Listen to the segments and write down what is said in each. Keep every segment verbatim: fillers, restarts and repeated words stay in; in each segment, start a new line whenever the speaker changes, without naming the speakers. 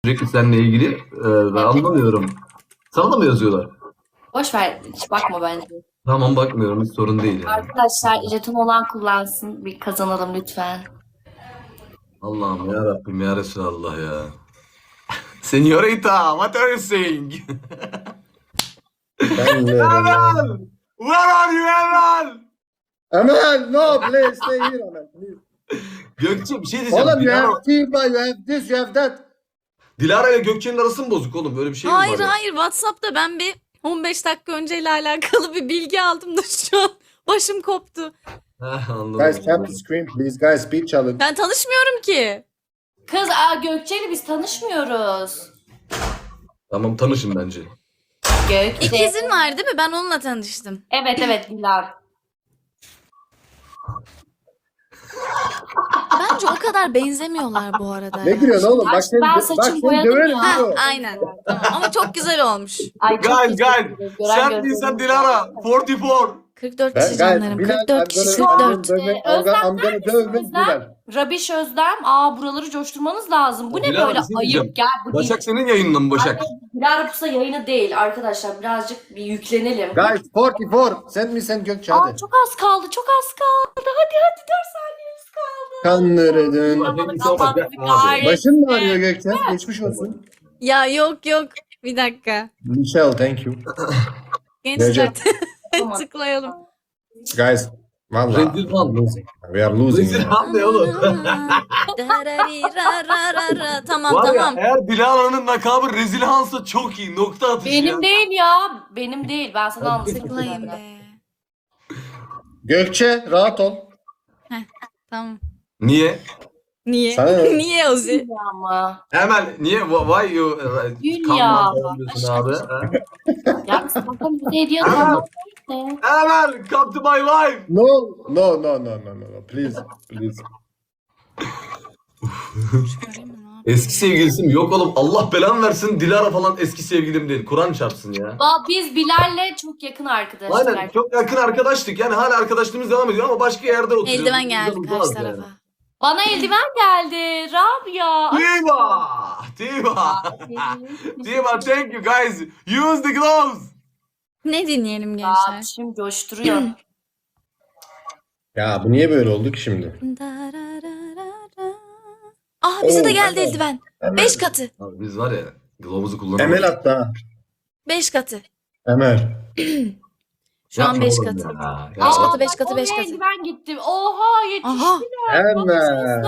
sürekli seninle ilgili. Ee, ben anlamıyorum. Sana da mı yazıyorlar?
Boş ver, hiç bakma bence.
Tamam bakmıyorum, hiç sorun değil yani.
Arkadaşlar jeton olan kullansın. Bir kazanalım lütfen.
Allah'ım ya Rabbim ya Resulallah ya. Señorita, what are you saying?
Ben de.
Emel! Where are you Emel?
Emel, no, please stay here, Emel. Please.
Gökçe bir şey diyeceğim.
Oğlum you
Dilara,
have Tiba, you have this, you have that.
Dilara ile Gökçe'nin arası mı bozuk oğlum? Böyle bir şey mi var
Hayır
ya?
hayır WhatsApp'ta ben bir on beş dakika önceyle alakalı bir bilgi aldım da şu an başım koptu.
Heh, anladım.
Guys, tap the screen, please. Guys, speed challenge.
Ben tanışmıyorum ki.
Kız aa, Gökçe'yle biz tanışmıyoruz.
Tamam tanışın bence.
Gökçe.
İkizin var değil mi? Ben onunla tanıştım.
Evet evet Bilal.
Bence o kadar benzemiyorlar bu arada.
Ne
ya.
gülüyorsun oğlum? Bak
Ben
seni, bak
saçımı
seni
boyadım
döverim.
ya.
Ha,
diyor.
aynen. Tamam. Ama çok güzel olmuş.
Ay, çok
Guys
teşekkür
guys.
ederim. Gören
Sen
gözlerim
değilsen
var.
Dilara. kırk dört.
kırk dört
Ben,
kişi
guys,
canlarım.
Bilal,
kırk dört
I'm
kişi.
gonna-
kırk
I'm
dört.
gonna dövmek- I'm
Özlem
gonna- I'm gonna
neredesin
dövmek
Özlem?
Bilal.
Rabiş Özlem. Aa buraları coşturmanız lazım. Bu ne
Bilal,
böyle
bir şey diyeceğim.
ayıp gel. Bu
Başak senin yayınla mı Başak?
Dilara Pusa yayını değil arkadaşlar. Birazcık bir yüklenelim.
Guys, kırk dört. Send me send Gökçe
Aa
hadi.
çok az kaldı. Çok az kaldı. Hadi hadi dört saniyemiz kaldı.
Kandırdın.
Thank you so much. Abi.
Başın mı ağrıyor Gökçe? Geçmiş olsun.
Ya yok yok. Bir dakika.
Michelle, thank you.
Gençler
Tamam.
tıklayalım.
Guys, valla.
Rezil Han.
We are losing.
Rezil Han ne oğlum?
Darararararara. Tamam
Var ya
tamam.
eğer Dilara'nın lakabı Rezil Han'sa çok iyi. Nokta atışı
Benim
ya.
değil ya. Benim değil. Ben sana anlatayım.
Tıklayın be.
Gökçe, rahat ol.
Tamam.
Niye?
Niye?
Sana ne?
Niye Ozi?
Ama.
Emel niye? Why you? uh,
Gül
come
ya.
on, diyorsun abi? ha?
Ya sakın bir hediye alma.
Emel come to my life.
No, no, no, no, no, no, no. Please, please.
Eski sevgilisi mi? Yok oğlum Allah belanı versin. Dilara falan eski sevgilim değil. Kur'an çarpsın ya.
Ba- Biz Bilal'le çok yakın arkadaşlar.
Aynen çok yakın arkadaştık. Yani hala arkadaşlığımız devam ediyor ama başka yerde oturuyoruz.
Eldiven geldi
Bizden
karşı
uzağız
tarafa.
yani.
Bana eldiven geldi. Rabia.
Diva! Diva! Diva thank you guys. Use the gloves.
Ne dinleyelim
Aa,
gençler?
şimdi coşturuyor.
Ya bu niye böyle oldu ki şimdi?
Ah bize de
Oo,
geldi
evet.
eldiven.
Emel.
Beş katı.
Abi biz var ya glove'umuzu kullanıyoruz.
Emel hatta.
Beş katı.
Emel.
Şu an
Yapma
beş
oğlum
katı.
ya.
Beş
Ya.
katı, beş
bak
katı, beş
oraya
katı.
eldiven gitti. Oha yetişti.
Aha.
Emel.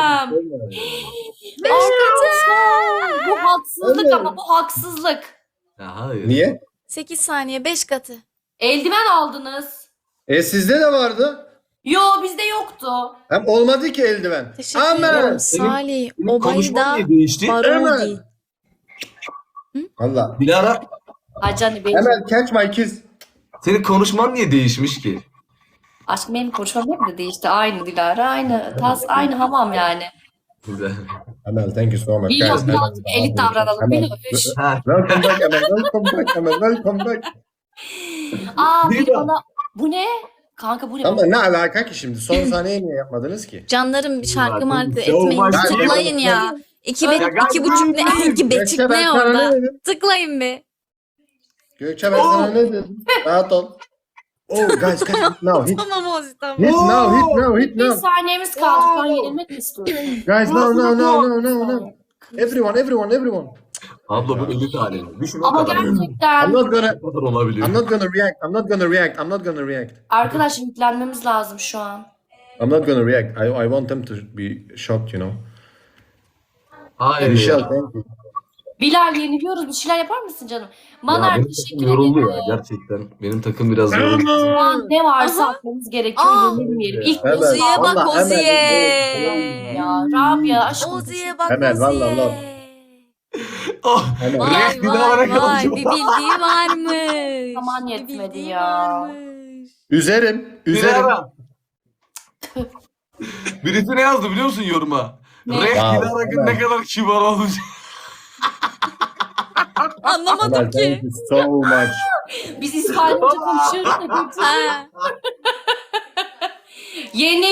Beş katı.
Bu haksızlık
Evet.
ama bu haksızlık.
Ya hayır.
Niye?
Sekiz saniye, beş katı.
Eldiven aldınız.
E sizde de vardı.
Yo bizde yoktu.
Hem olmadı ki eldiven.
Teşekkür
Emel.
ederim. Salih,
Senin konuşman
Obayda,
niye değişti?
Barodi.
Emel. Valla.
Dilara
Hacani benim.
Emel catch my kiss.
senin konuşman niye değişmiş ki?
Aşkım benim konuşmam hep de değişti. Aynı Dilara, aynı tas, aynı hamam yani.
Güzel.
Emel thank you so much.
Biliyorum
guys.
birazcık elit davranalım.
Emel.
Biliyormuş.
Ha.
Welcome back Emel. Welcome back Emel. Welcome back.
Aa
Değil
bir
mi?
bana... Bu ne? Kanka bu ne?
Ama ne alaka ki şimdi? Son saniye niye yapmadınız ki?
Canlarım bir şarkı markı
So
etmeyin.
much.
Tıklayın ya. İki, be,
Ya gel-
iki buçuk ne? İki beçik
Gökçe ben
ne
sana
orada?
ne dedim?
Tıklayın be.
Gökçe ben sana ne dedim? Rahat ol. Oh guys, guys, hit now, hit,
Tamam Ozi tamam.
hit now, hit now, hit
Bir
now.
saniyemiz kaldı. Şu an yenilmek mi istiyorsun?
Guys, no, no, no, no, no, no. Everyone, everyone, everyone.
Abla bu elit halinde. Düşün o
Ama
kadar.
I'm
gerçekten
not gonna,
O kadar olabiliyor.
I'm not gonna react. I'm not gonna react. I'm not gonna react.
arkadaşlar yüklenmemiz lazım şu an.
I'm not gonna react. I, I want them to be shocked, you know.
Hayır.
Michelle,
ya.
thank you.
Bilal yeniliyoruz. Bir şeyler yapar mısın canım?
Ya
Maner
benim
teşekkür
takım yoruldu
ederim.
ya gerçekten. Benim takım biraz yoruldu.
Şu an ne varsa atmamız gerekiyor.
Aa.
Yenilmeyelim. İlk
Evet.
Ozi'ye
Ozi'ye bak
Vallahi
Ozi'ye.
ya. Rabia aşkım.
Ozi'ye bak
Hemen, vallahi,
Ozi'ye.
vallahi.
Oh.
Emel.
Vay
Reis bir daha
vay
bana
vay
kalacak.
bir bildiği varmış.
Zaman
Bir
yetmedi
bildiği
ya.
varmış.
Üzerim, üzerim.
Dilara. Birisi ne yazdı biliyor musun yoruma?
Ne?
Reis
Wow,
Dilara
hemen.
ne kadar kibar olmuş.
Anlamadım
Emel,
ki.
thank you so much.
Biz İspanyolca konuşuyoruz da götür.
Ha.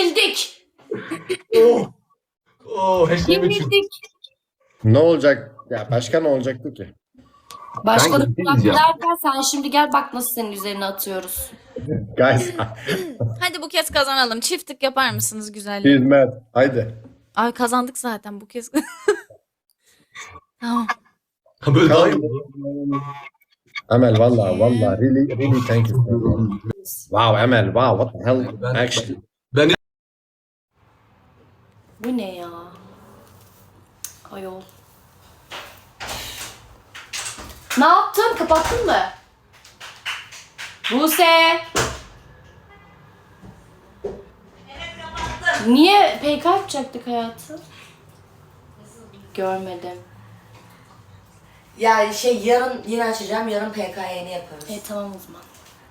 Yenildik.
Oh. Oh. Hashtag üçün.
Yenildik.
Ne olacak? Ya başka ne olacaktı ki?
Başka da
Ben gideyim ya.
derken sen şimdi gel bak nasıl senin üzerine atıyoruz.
Guys,
Hadi bu kez kazanalım. Çiftlik yapar mısınız güzelliği?
hizmet. Haydi.
Ay kazandık zaten bu kez. Tamam.
Ha, böyle daha iyi.
Emel valla valla really really thank you. Wow Emel wow what the hell
Ben-
actually.
Bu ne ya? Ayol. Ne yaptın? Kapattın mı? Buse! Niye P K yapacaktık hayatım? Görmedim.
Ya şey yarın yine açacağım. Yarın P K Y'ni yaparız.
E tamam o zaman.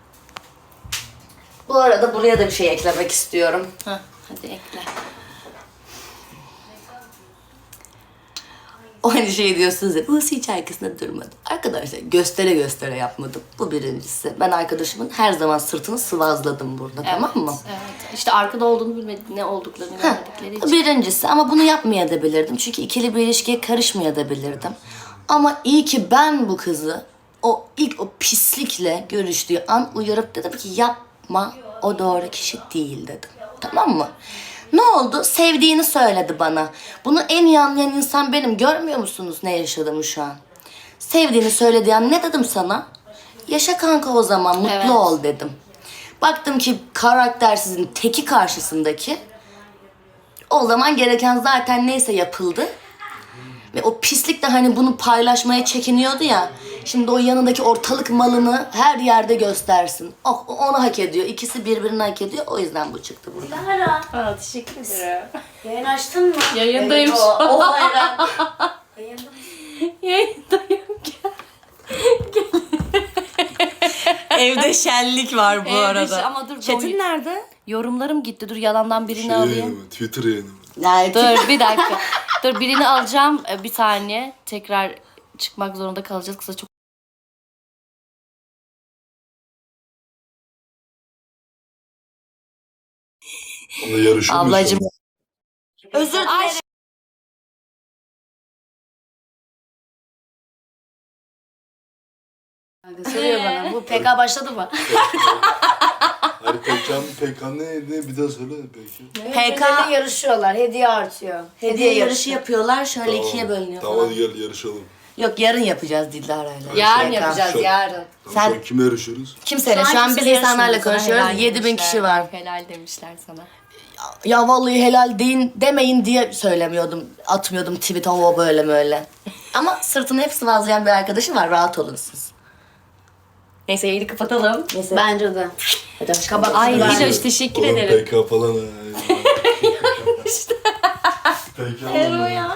Bu arada buraya da bir şey eklemek istiyorum.
Hah, hadi ekle.
O hani şey diyorsunuz ya, bu hiç arkasında durmadım. Arkadaşlar göstere göstere yapmadım. Bu birincisi. Ben arkadaşımın her zaman sırtını sıvazladım burada, tamam mı?
Evet. İşte arkada olduğunu bilmedik, ne olduklarını bilmedikleri
Bu
için.
birincisi ama bunu yapmayabilirdim. Çünkü ikili bir ilişkiye karışmayabilirdim. Ama iyi ki ben bu kızı o ilk o pislikle görüştüğü an uyarıp dedim ki yapma, o doğru kişi değil dedim. Tamam mı? Ne oldu? Sevdiğini söyledi bana. Bunu en iyi anlayan insan benim. Görmüyor musunuz ne yaşadığımı şu an? Sevdiğini söylediği an ne dedim sana? Yaşa kanka o zaman, mutlu
Evet.
ol dedim. Baktım ki karaktersizin teki karşısındaki, o zaman gereken zaten neyse yapıldı. Ve o pislik de hani bunu paylaşmaya çekiniyordu ya. Şimdi o yanındaki ortalık malını her yerde göstersin. Oh, o onu hak ediyor. İkisi birbirini hak ediyor. O yüzden bu çıktı burada.
Lara,
Aa, teşekkür ederim.
yayın açtın mı?
Yayındayım şu
O,
an.
o hayran.
Yayında mı?
Yayındayım.
Evde şenlik var bu
Evde
arada.
şey- ama dur,
Çetin
dur.
nerede?
Yorumlarım gitti. Dur yalandan birini
Şey
alayım.
yayını mı? Twitter yayını mı?
Yani
Dur bir dakika. Dur birini alacağım. Ee, Bir saniye. Tekrar çıkmak zorunda kalacağız. Kısa çok.
Onunla yarışıyor muyuz
Ablacığım.
şu an?
Özür dilerim.
Soruyor bana. Bu P K başladı mı?
Hayır Pekan, Pekan ne, ne bir daha söyle peki.
P K
Birbirleriyle yarışıyorlar. Hediye artıyor.
hediye yarışı yapıyorlar. Şöyle
Tamam.
ikiye bölünüyor
Tamam
falan.
hadi gel yarışalım.
Yok yarın yapacağız Dilara'yla.
Yarın
P K.
yapacağız
Şu an-
yarın.
Tamam,
Sen-
şu an kimle yarışıyoruz?
Kimseyle. Şu an biz
kimseyle
insanlarla
yarışmıyoruz. Sana
konuşuyoruz.
helal
yedi bin
demişler.
kişi var.
Helal demişler sana.
Ya vallahi helal deyin demeyin diye söylemiyordum. Atmıyordum tweet o böyle böyle. Ama sırtını hep sıvazlayan bir arkadaşı var. Rahat olun siz. Neyse yayını kapatalım. Neyse.
Bence de.
Kapat.
Ay
Ben-
Diloş teşekkür
Oğlum
ederim.
P K falan ha. P K
Ero ya.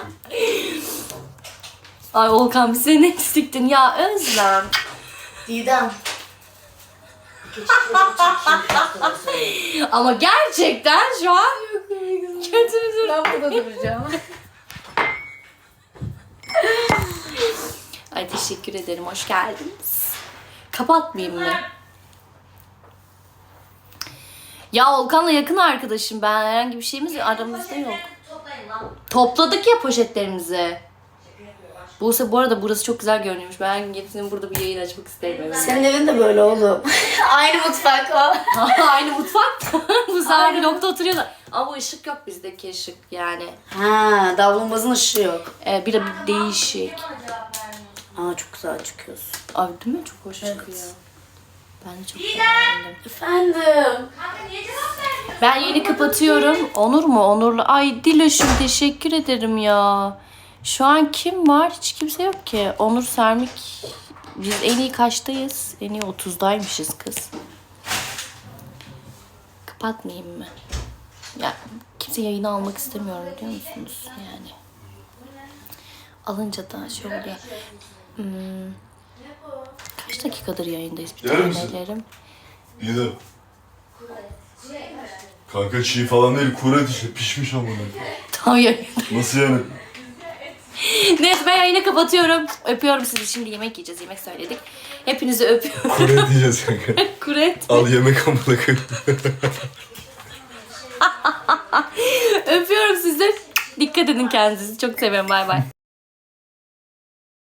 Ay Volkan bir seni eksiktin ya Özlem.
Didem.
Ama gerçekten şu an kötü bir durum.
Ben burada duracağım.
Ay teşekkür ederim. Hoş geldiniz. Kapatmayayım mı? Ya Volkan'la yakın arkadaşım ben. Herhangi bir şeyimiz aramızda yok. Topladık ya poşetlerimizi. Buse bu arada burası çok güzel görünüyormuş. Ben gittim burada bir yayın açmak isterim.
Senin evin de böyle oğlum. Aynı mutfak o.
Aynı mutfakta. Bu sefer blokta oturuyorlar. Ama bu ışık yok bizdeki ışık yani.
Ha, davlumbazın ışığı yok.
Ee, bir de bir değişik.
Aa çok güzel çıkıyorsun.
Abi değil mi? Çok hoş çıkıyor. Ben de çok beğendim.
Efendim.
Ben yeni kapatıyorum. Onur mu? Onurlu. Ay Diloş'um teşekkür ederim ya. Şu an kim var? Hiç kimse yok ki. Onur Sermik. Biz en iyi kaçtayız? En iyi otuzdaymışız kız. Kapatmayayım mı? Ya kimse yayını almak istemiyorum biliyor musunuz? Yani. Alınca da şey oluyor. Hmm. Kaç dakikadır yayındayız? Bir
Yer misin?
tanelerim.
İyi de. Kanka çiğ falan değil, kuru et işte, pişmiş amına.
Tam yayın.
Nasıl yani?
Neyse ben yayını kapatıyorum. Öpüyorum sizi. Şimdi yemek yiyeceğiz. Yemek söyledik. Hepinizi öpüyorum.
Kuru et diyeceğiz kanka.
Kuret.
Al yemek amına koyayım.
Öpüyorum sizi. Dikkat edin kendinize. Çok seviyorum. Bay bay.